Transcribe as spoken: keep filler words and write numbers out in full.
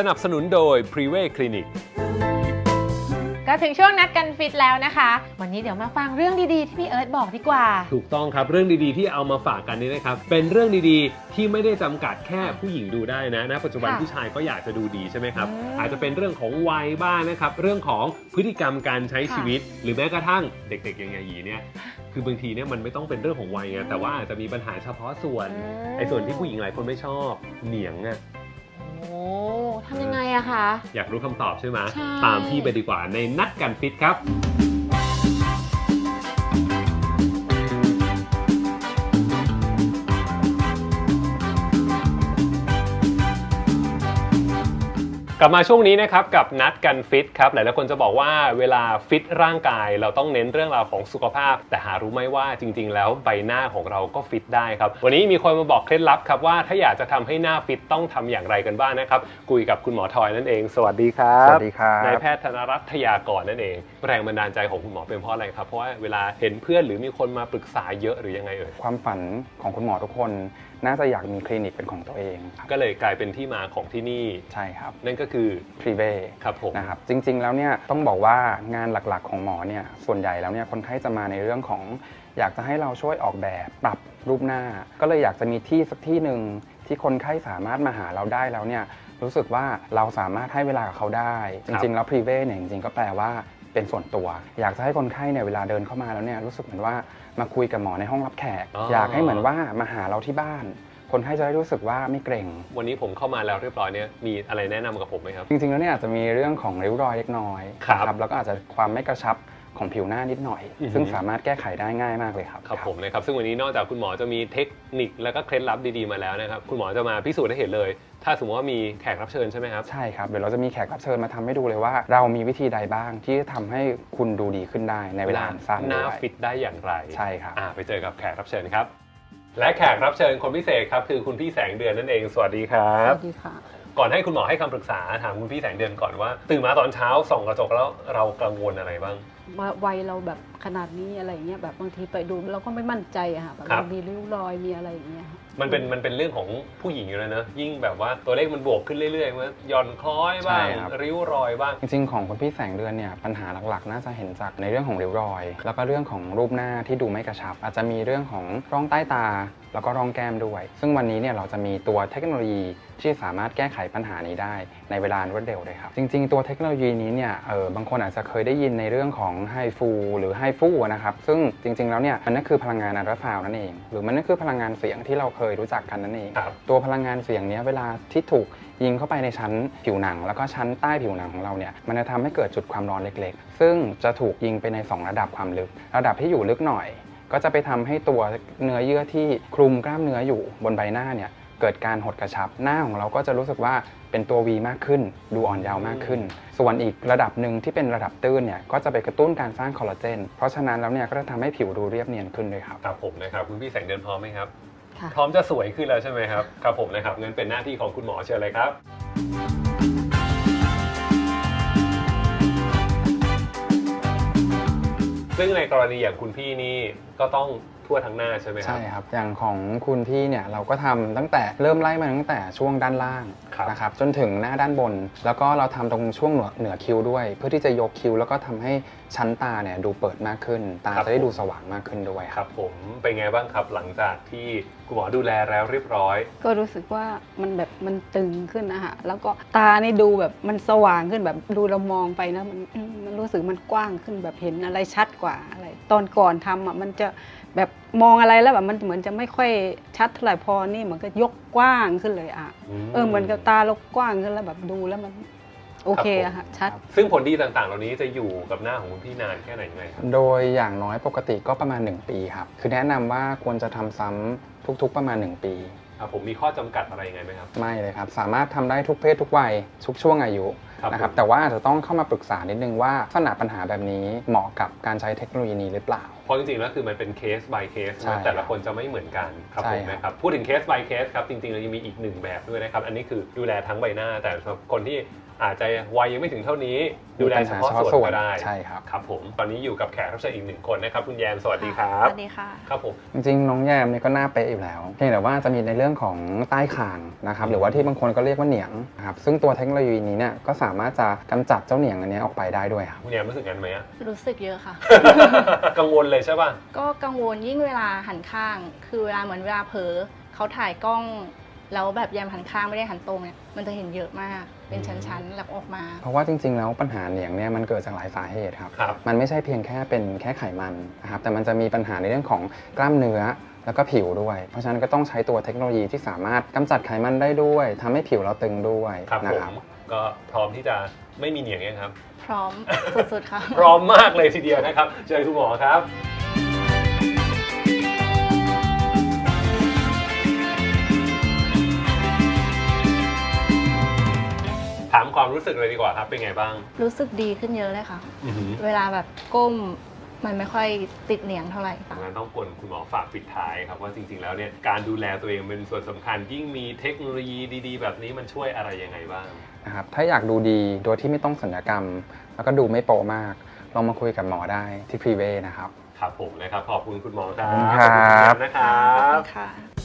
นับสนุนโดย Privé Clinic ก็ถึงช่วงนัดกันฟิตแล้วนะคะวันนี้เดี๋ยวมาฟังเรื่องดีๆที่พี่เอิร์ธบอกดีกว่าถูกต้องครับเรื่องดีๆที่เอามาฝากกันนี้นะครับเป็นเรื่องดีๆที่ไม่ได้จำกัดแค่ผู้หญิงดูได้นะณปัจจุบันผู้ชายก็อยากจะดูดีใช่ไหมครับอาจจะเป็นเรื่องของวัยบ้างนะครับเรื่องของพฤติกรรมการใช้ชีวิตหรือแม้กระทั่งเด็กๆอย่างไงยีเนี่ยคือบางทีเนี่ยมันไม่ต้องเป็นเรื่องของวัยไงแต่ว่าอาจจะมีปัญหาเฉพาะส่วนไอ้ส่วนที่ผู้หญิงหลายคนไม่ชอบเหนียงอะโอ้ทำยังไงอะคะอยากรู้คำตอบใช่ไหมใช่ตามพี่ไปดีกว่าในนัดกันฟิตครับกลับมาช่วงนี้นะครับกับนัดกันฟิตครับหลายๆคนจะบอกว่าเวลาฟิตร่างกายเราต้องเน้นเรื่องราวของสุขภาพแต่หารู้ไหมว่าจริงๆแล้วใบหน้าของเราก็ฟิตได้ครับวันนี้มีคนมาบอกเคล็ดลับครับว่าถ้าอยากจะทำให้หน้าฟิตต้องทำอย่างไรกันบ้างนะครับคุยกับคุณหมอทอยนั่นเองสวัสดีครับสวัสดีครับนายแพทย์ธนรัตน์ทยากรนั่นเองแรงบันดาลใจของคุณหมอเป็นเพราะอะไรครับเพราะว่าเวลาเห็นเพื่อนหรือมีคนมาปรึกษาเยอะหรือยังไงเอ่ยความฝันของคุณหมอทุกคนน่าจะอยากมีคลินิกเป็นของตัวเองก็เลยกลายเป็นที่มาของที่นี่ใช่ครับนั่นก็คือ Privé ครับผมนะครับจริงๆแล้วเนี่ยต้องบอกว่างานหลักๆของหมอเนี่ยส่วนใหญ่แล้วเนี่ยคนไข้จะมาในเรื่องของอยากจะให้เราช่วยออกแบบปรับรูปหน้าก็เลยอยากจะมีที่สักที่หนึ่งที่คนไข้สามารถมาหาเราได้แล้วเนี่ยรู้สึกว่าเราสามารถให้เวลากับเขาได้จริงๆแล้ว Privé เนี่ยจริงๆก็แปลว่าเป็นส่วนตัวอยากจะให้คนไข้เนี่ยเวลาเดินเข้ามาแล้วเนี่ยรู้สึกเหมือนว่ามาคุยกับหมอในห้องรับแขก อ, อยากให้เหมือนว่ามาหาเราที่บ้านคนไข้จะได้รู้สึกว่าไม่เกรงวันนี้ผมเข้ามาแล้วเรียบร้อยเนี่ยมีอะไรแนะนำกับผมไหมครับจริงๆแล้วเนี่ยอาจจะมีเรื่องของริ้วรอยเล็กน้อยครับแล้วก็อาจจะความไม่กระชับของผิวหน้านิดหน่อยซึ่งสามารถแก้ไขได้ง่ายมากเลยครับครับผมนะครับซึ่งวันนี้นอกจากคุณหมอจะมีเทคนิคแล้วก็เคล็ดลับดีๆมาแล้วนะครับคุณหมอจะมาพิสูจน์ให้เห็นเลยถ้าสมมติว่ามีแขกรับเชิญใช่ไหมครับใช่ครับเดี๋ยวเราจะมีแขกรับเชิญมาทำให้ดูเลยว่าเรามีวิธีใดบ้างที่จะทำให้คุณดูดีขึ้นได้ในเวลาสั้นหน้าฟิตได้อย่างไรใช่ครับไปเจอกับแขกรับเชิญครับและแขกรับเชิญคนพิเศษครับคือคุณพี่แสงเดือนนั่นเองสวัสดีครับสวัสดีค่ะก่อนให้คุณหมอให้คำปรึกษาถามคุณพี่แสงเดือนก่อนว่าตื่นมาตอนเช้าส่องกระจกแล้วเรากังวลอะไรบ้างวัยเราแบบขนาดนี้อะไรเงี้ยแบบบางทีไปดูเราก็ไม่มั่นใจอะค่ะแบบมีริ้วรอยมีอะไรอย่างเงี้ยมันเป็นมันเป็นเรื่องของผู้หญิงอยู่แล้วนะยิ่งแบบว่าตัวเลขมันบวกขึ้นเรื่อยๆมันหย่อนคล้อยบ้างริ้วรอยบ้างจริงๆของคุณพี่แสงเดือนเนี่ยปัญหาหลักๆน่าจะเห็นจากในเรื่องของริ้วรอยแล้วก็เรื่องของรูปหน้าที่ดูไม่กระชับอาจจะมีเรื่องของร่องใต้ตาแล้วก็ร่องแก้มด้วยซึ่งวันนี้เนี่ยเราจะมีตัวเทคโนโลยีที่สามารถแก้ไขปัญหานี้ได้ในเวลารวดเร็วเลยครับจริงๆตัวเทคโนโลยีนี้เนี่ยเออบางคนอาจจะเคยได้ยินในเรื่องของไฮฟูหรือไฮฟูนะครับซึ่งจริงๆแล้วเนี่ยมันนั่นคือพลังงานอัลตราซาวด์นั่นเองหรือมันนั่นคือพลังงานเสียงที่เราเคยรู้จักกันนั่นเองตัวพลังงานเสียงนี้เวลาที่ถูกยิงเข้าไปในชั้นผิวหนังแล้วก็ชั้นใต้ผิวหนังของเราเนี่ยมันจะทำให้เกิดจุดความร้อนเล็กๆซึ่งจะถูกยิงไปในสองระดับความลึกระดับที่อยู่ลึกหน่อยก็จะไปทำให้ตัวเนื้อเยื่อที่คลุมกล้ามเนื้ออยู่บนใบหน้าเนี่ยเกิดการหดกระชับหน้าของเราก็จะรู้สึกว่าเป็นตัว V มากขึ้นดูอ่อนเยาว์มากขึ้นส่วนอีกระดับหนึ่งที่เป็นระดับตื้นเนี่ยก็จะไปกระตุ้นการสร้างคอลลาเจนเพราะฉะนั้นแล้วเนี่ยก็จะทำให้ผิวดูเรียบเนียนขึ้นด้วยครับครับผมนะครับคุณพี่แสงเดือนพร้อมไหมครับพร้อมจะสวยขึ้นแล้วใช่ไหมครับครับผมนะครับงั้นเป็นหน้าที่ของคุณหมอเชิญเลยครับซึ่งในกรณีอย่างคุณพี่นี่ก็ต้องทั่วทั้งหน้าใช่ไหมครับใช่ครับอย่างของคุณพี่เนี่ยเราก็ทำตั้งแต่เริ่มไล่มาตั้งแต่ช่วงด้านล่างนะครับจนถึงหน้าด้านบนแล้วก็เราทำตรงช่วงเหนือคิ้วด้วยเพื่อที่จะยกคิ้วแล้วก็ทำให้ชั้นตาเนี่ยดูเปิดมากขึ้นตาจะได้ดูสว่างมากขึ้นด้วยครับผมเป็นไงบ้างครับหลังจากที่คุณหมอดูแลแล้วเรียบร้อยก็รู้สึกว่ามันแบบมันตึงขึ้นนะฮะแล้วก็ตานี่ดูแบบมันสว่างขึ้นแบบดูเรามองไปนะมันมันรู้สึกมันกว้างขึ้นแบบเห็นอะไรชัดกว่าอะไรตอนก่อนทำอ่ะมันจะแบบมองอะไรแล้วแบบมันเหมือนจะไม่ค่อยชัดเท่าไหร่พอนี่เหมือนก็ยกกว้างขึ้นเลยอ่ะเออเหมือนกับตาเรากว้างขึ้นแล้วแบบดูแล้วมันโอเคอะค่ะชัดซึ่งผลดีต่างๆเหล่านี้จะอยู่กับหน้าของคุณพี่นานแค่ไหนไงครับโดยอย่างน้อยปกติก็ประมาณหนึ่งปีครับคือแนะนำว่าควรจะทำซ้ำทุกๆประมาณหนึ่งปีผมมีข้อจำกัดอะไรยังไงไหมครับไม่เลยครับสามารถทำได้ทุกเพศทุกวัยทุกช่วงอายุนะครับแต่ว่าอาจจะต้องเข้ามาปรึกษานิดนึงว่าลักษณะปัญหาแบบนี้เหมาะกับการใช้เทคโนโลยีนี้หรือเปล่าเพราะจริงๆแล้วคือมันเป็นเคส by เคสแต่ละคนจะไม่เหมือนกันครับผมนะครับพูดถึงเคส by เคสครับจริงๆเรายังมีอีกหนึ่งแบบด้วยนะครับอันนี้คือดูแลทั้งใบหน้าแต่สำหรับคนที่อาจจะวัยยังไม่ถึงเท่านี้ดูแลเฉพาะส่วนก็ได้ใช่ครับครับผมตอนนี้อยู่กับแขกรับเชิญอีกหนึ่งคนนะครับคุณแยมสวัสดีครับสวัสดีค่ะครับผมจริงๆน้องแยมเนี่ยก็หน้าเป๊ะอยู่แล้วเพียงแต่ว่าจะมีในเรื่องของใต้คางนะครับหรือว่าที่บางคนก็เรียกว่าเหนียงนะครับซึ่งตัวเทคโนโลยีนี้เนี่ยก็สามารถจะกำจัดเจ้าเหนียงอันนี้ออกไปได้ด้วยครับคุณแยมรู้สึกงั้นไหมอะรู้สึกเยอะค่ะกังวลเลยใช่ป่ะก็กังวลยิ่งเวลาหันข้าง คือเวลาเหมือนเวลาเผลอเขาถ่ายกล้อง แล้วแบบแยมหันข้างไม่ได้หันตรงเนี่ยมันจะเห็นเยอะมากเป็นชั้นๆแล้วออกมาเพราะว่าจริงๆแล้วปัญหาเหนียงเนี่ยมันเกิดจากหลายสาเหตุครับครับมันไม่ใช่เพียงแค่เป็นแค่ไขมันนะครับแต่มันจะมีปัญหาในเรื่องของกล้ามเนื้อแล้วก็ผิวด้วย เพราะฉะนั้นก็ต้องใช้ตัวเทคโนโลยีที่สามารถกำจัดไขมันได้ด้วยทำให้ผิวเราตึงด้วยครับนะผครับมก็พร้อมที่จะไม่มีเหนียงยังครับพร้อม สุดๆค่ะพร้อมมากเลยทีเดียวนะครับเชิญคุณหมอครับ ถามความรู้สึกเลยดีกว่าครับเป็นไงบ้างรู้สึกดีขึ้นเยอะเลยค่ะอือหือเวลาแบบก้มมันไม่ค่อยติดเหนียงเท่าไหร่ค่ะงั้นต้องกวนคุณหมอฝากปิดท้ายครับว่าจริงๆแล้วเนี่ยการดูแลตัวเองเป็นส่วนสำคัญยิ่งมีเทคโนโลยีดีๆ แบบนี้มันช่วยอะไรยังไงบ้างนะครับถ้าอยากดูดีโดยที่ไม่ต้องศัลยกรรม แล้วก็ดูไม่โป๊มากลองมาคุยกับหมอได้ที่พรีเวย์นะครับครับผมนะครับขอบคุณคุณหมอครับขอบคุณครับขอบคุณนะครัขอบคุบณค่ะ